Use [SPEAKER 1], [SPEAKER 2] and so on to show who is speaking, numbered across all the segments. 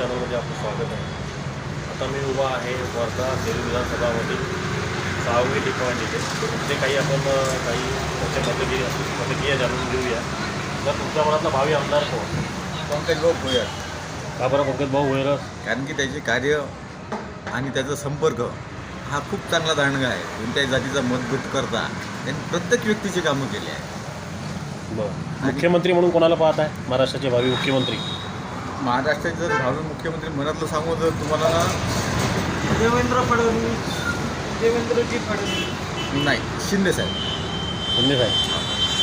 [SPEAKER 1] चॅनलमध्ये आपलं स्वागत आहे. आता मी उभा आहे वर्धा सेलू विधानसभामध्ये 6वी टी पॉईंट इथे. ते काही आपण काही त्याच्या प्रतिक्रिया जाणून घेऊया. तर तुमच्या मनातला भावी आमदार कोण?
[SPEAKER 2] पंकजभाऊ भोयर.
[SPEAKER 1] का बरं पंकजभाऊ भोयर?
[SPEAKER 2] कारण की त्याचे कार्य आणि त्याचा संपर्क हा खूप चांगला दांडगा आहे. कोणत्याही जातीचा मतभेद करता त्यांनी प्रत्येक व्यक्तीची कामं केली आहे.
[SPEAKER 1] बरं, मुख्यमंत्री म्हणून कोणाला पाहत आहे? महाराष्ट्राचे भावी मुख्यमंत्री
[SPEAKER 2] महाराष्ट्राचे जर भावी मुख्यमंत्री मनातलं सांगू तर तुम्हाला ना
[SPEAKER 3] देवेंद्रजी फडणवीस
[SPEAKER 2] नाही, शिंदे साहेब.
[SPEAKER 1] शिंदे साहेब.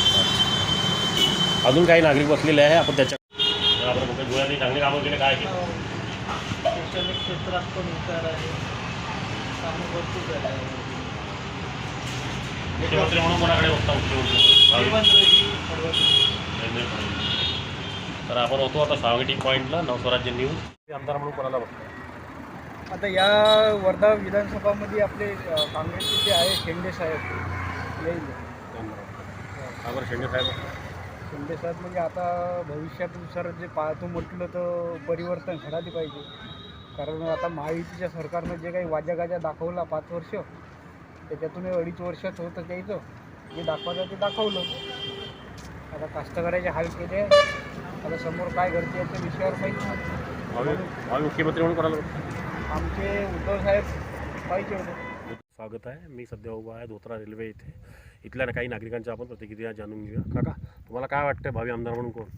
[SPEAKER 1] अजून काही नागरिक बसलेले आहे, आपण त्याच्या आपण पंकज भोयरांनी चांगली कामं केले. काय केलं?
[SPEAKER 3] शैक्षणिक क्षेत्रात पण विचार आहे, कामं भरपूर झाले आहे.
[SPEAKER 1] मुख्यमंत्री म्हणून कोणाकडे बघता? मुख्यमंत्री
[SPEAKER 3] देवेंद्रजी फडणवीस.
[SPEAKER 1] देवेंद्र फडणवीस. तर आपण होतो आता 6वी टी पॉईंटला नवस्वराज्य न्यूज. आमदार म्हणून कोणाला बघतो?
[SPEAKER 3] आता या वर्धा विधानसभामध्ये आपले काँग्रेसचे जे आहे शेंडे साहेब येईल.
[SPEAKER 1] बरं, शिंदे साहेब.
[SPEAKER 3] शेंडे साहेब म्हणजे आता भविष्यानुसार जे पाहतो म्हटलं तर परिवर्तन घडायला पाहिजे. कारण आता महायुतीच्या सरकारनं जे काही वाजागाजा दाखवला 5 वर्ष, त्याच्यातून 2.5 वर्षात होतं त्याचं जे दाखवायचं ते दाखवलं. आता कास्तकऱ्याचे हाल केले. आता समोर काय घडते याच्या विषयावर माहिती नाही.
[SPEAKER 1] भावी मुख्यमंत्री म्हणून कोणाला बघतो?
[SPEAKER 3] आमचे उद्धव साहेब पाहिजे होते.
[SPEAKER 1] स्वागत आहे. मी सध्या उभा आहे धोत्रा रेल्वे इथे. इथल्या काही नागरिकांच्या आपण प्रतिक्रिया जाणून घेऊया. काका, तुम्हाला काय वाटतं भावी आमदार म्हणून कोण?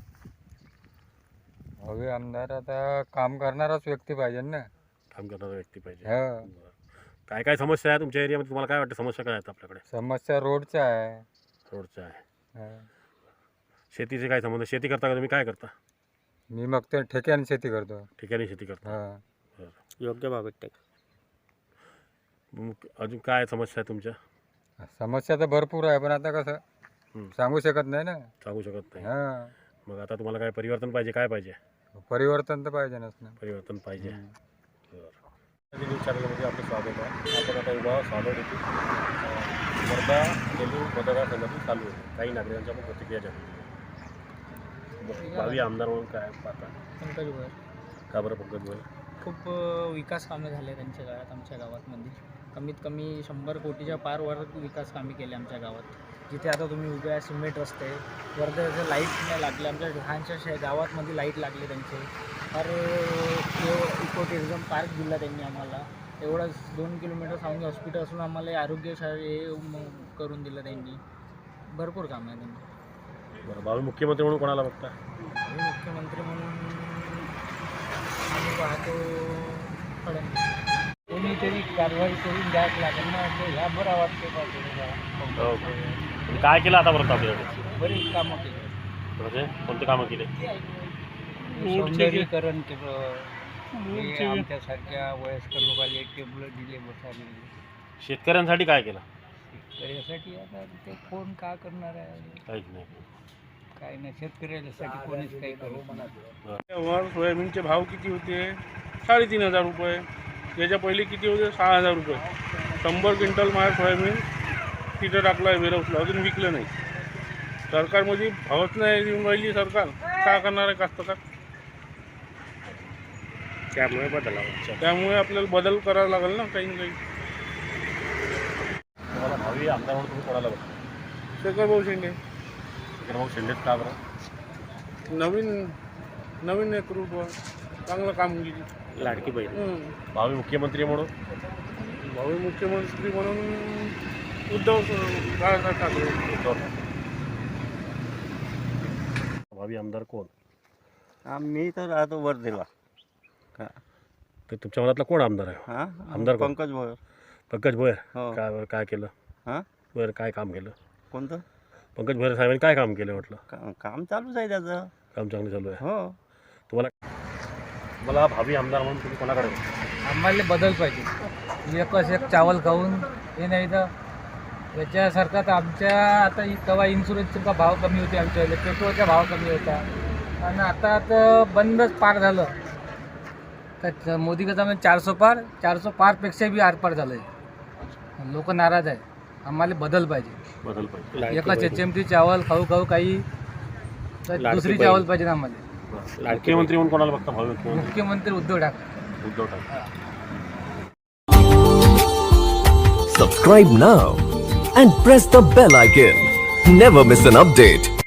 [SPEAKER 4] भावी आमदार आता काम करणाराच व्यक्ती पाहिजे ना.
[SPEAKER 1] काम करणारा व्यक्ती पाहिजे.
[SPEAKER 4] हो.
[SPEAKER 1] काय काय समस्या आहे तुमच्या एरियामध्ये? तुम्हाला काय वाटतं समस्या काय आहेत आपल्याकडे?
[SPEAKER 4] समस्या रोडच्या आहे.
[SPEAKER 1] रोडच्या आहे.
[SPEAKER 4] हो.
[SPEAKER 1] शेतीचे काय संबंध? शेती करता का तुम्ही? काय करता?
[SPEAKER 4] मी मग ते ठेक्याने शेती करतो.
[SPEAKER 1] ठिकाणी शेती करता.
[SPEAKER 4] हा.
[SPEAKER 3] योग्य बाबत
[SPEAKER 1] मग अजून काय समस्या आहे तुमच्या?
[SPEAKER 4] समस्या तर भरपूर आहे, पण आता कसं सांगू शकत नाही ना.
[SPEAKER 1] सांगू शकत नाही.
[SPEAKER 4] हा.
[SPEAKER 1] मग आता तुम्हाला काय परिवर्तन पाहिजे? काय पाहिजे?
[SPEAKER 4] परिवर्तन तर पाहिजेच ना.
[SPEAKER 1] परिवर्तन पाहिजे. बरं, न्यूज चॅनलमध्ये आपलं स्वागत आहे. आपण आता उभा स्वागत येथे वर्धा सेलू मतदारसंघातून चालू आहे. काही नागरिकांच्या आपण प्रतिक्रिया जाणून घेऊ. भावी आमदार म्हणून काय पाहता?
[SPEAKER 3] पंकज भोयर.
[SPEAKER 1] का बरं पंकज भोयर?
[SPEAKER 3] खूप विकास कामे झाले त्यांच्या काळात. आमच्या गावातमध्ये कमीत कमी 100 कोटीच्या पारवर विकास कामे केले आमच्या गावात. जिथे आता तुम्ही उभे आहे सिमेंट रस्ते, वर्ध्याचं लाईट नाही लागले. आमच्या लहानशा गावातमध्ये लाईट लागले त्यांचे. फार इको टुरिझम पार्क दिला त्यांनी आम्हाला. एवढंच 2 किलोमीटर सावंगी हॉस्पिटल असून आम्हाला आरोग्यशाळे करून दिलं त्यांनी. भरपूर काम आहे त्यांनी.
[SPEAKER 1] बरं, भावी मुख्यमंत्री म्हणून कोणाला बघता?
[SPEAKER 3] मुख्यमंत्री म्हणून आम्ही पाहतो फडणवीस. कोणीतरी कारवाई करून द्यायच लागेल ना. ह्या बरा वाटते
[SPEAKER 1] तुम्ही काय केलं आतापर्यंत आपल्याकडे?
[SPEAKER 3] बरीच कामं केली.
[SPEAKER 1] म्हणजे कोणते कामं केले?
[SPEAKER 3] सौंदर्यीकरण केलं. आमच्यासारख्या वयस्कर लोकांना टेबल दिले बसायला.
[SPEAKER 1] शेतकऱ्यांसाठी काय केलं?
[SPEAKER 3] शेतकऱ्यासाठी आता ते कोण काय करणार आहे?
[SPEAKER 1] काहीच नाही.
[SPEAKER 3] काय नाही, शेतकऱ्यासाठी कोणीच काही करू म्हणा.
[SPEAKER 5] तेव्हा सोयाबीनचे भाव किती होते? 3,500 रुपये. याच्या पहिले किती होते? 6,000 रुपये. 100 क्विंटल माझ्या सोयाबीन तिथं टाकलं आहे वेरहाऊसला, अजून विकलं नाही. सरकारमध्ये भावच नाही देऊन राहिली सरकार. काय करणार आहे कास्तकार? त्यामुळे आपल्याला बदल करावा लागेल ना काही ना काही.
[SPEAKER 1] तुम्हाला भावी आमदार म्हणून तुम्ही कोणाला बघता?
[SPEAKER 5] शेखरभाऊ शेंडे.
[SPEAKER 1] शेखरभाऊ शेंडेच का बरं?
[SPEAKER 5] नवीन नेतृत्व, चांगलं काम केली.
[SPEAKER 1] लाडकी बहीण. भावी मुख्यमंत्री म्हणून?
[SPEAKER 5] भावी मुख्यमंत्री म्हणून उद्धव बाळासाहेब ठाकरे.
[SPEAKER 1] भावी आमदार कोण?
[SPEAKER 6] मी तर राहतो वर्धेला.
[SPEAKER 1] तर तुमच्या मनातला कोण आमदार आहे?
[SPEAKER 6] हां,
[SPEAKER 1] आमदार कोण?
[SPEAKER 6] पंकज भोयर.
[SPEAKER 1] पंकज भोयर.
[SPEAKER 6] हो.
[SPEAKER 1] काय बरं, काय केलं?
[SPEAKER 6] हां,
[SPEAKER 1] बरं, काय काम केलं?
[SPEAKER 6] कोणतं
[SPEAKER 1] पंकज भोयर साहेबांनी काय काम केलं म्हटलं?
[SPEAKER 6] काम चालूच आहे त्याचं.
[SPEAKER 1] काम चांगलं चालू आहे.
[SPEAKER 6] हो.
[SPEAKER 1] मला भावी आमदार म्हणून तुम्ही कोणाकडे बघता?
[SPEAKER 3] आम्हाला बदल पाहिजे. एकच एक चावल खाऊन हे नाही तर याच्यासारखा तर आमच्या आता तेव्हा इन्शुरन्सचा भाव कमी होते, आमच्या पेट्रोलचा भाव कमी होता. आणि आता तर बंदच पार झालं. तर मोदी कसं 400 पार, 400 पारपेक्षा बी आरपार झालं आहे. लोक नाराज आहे. आम्हाला बदल पाहिजे.
[SPEAKER 1] बदल पाहिजे.
[SPEAKER 3] एकच HMT चावल खाऊ काही तर दुसरी चावल पाहिजे आम्हाला.
[SPEAKER 1] मुख्यमंत्री म्हणून कोणाला बघता भावी मुख्यमंत्री?
[SPEAKER 3] मुख्यमंत्री Uddhav Thackeray.
[SPEAKER 1] Uddhav Thackeray.
[SPEAKER 7] Subscribe now and press the bell icon. Never miss an update.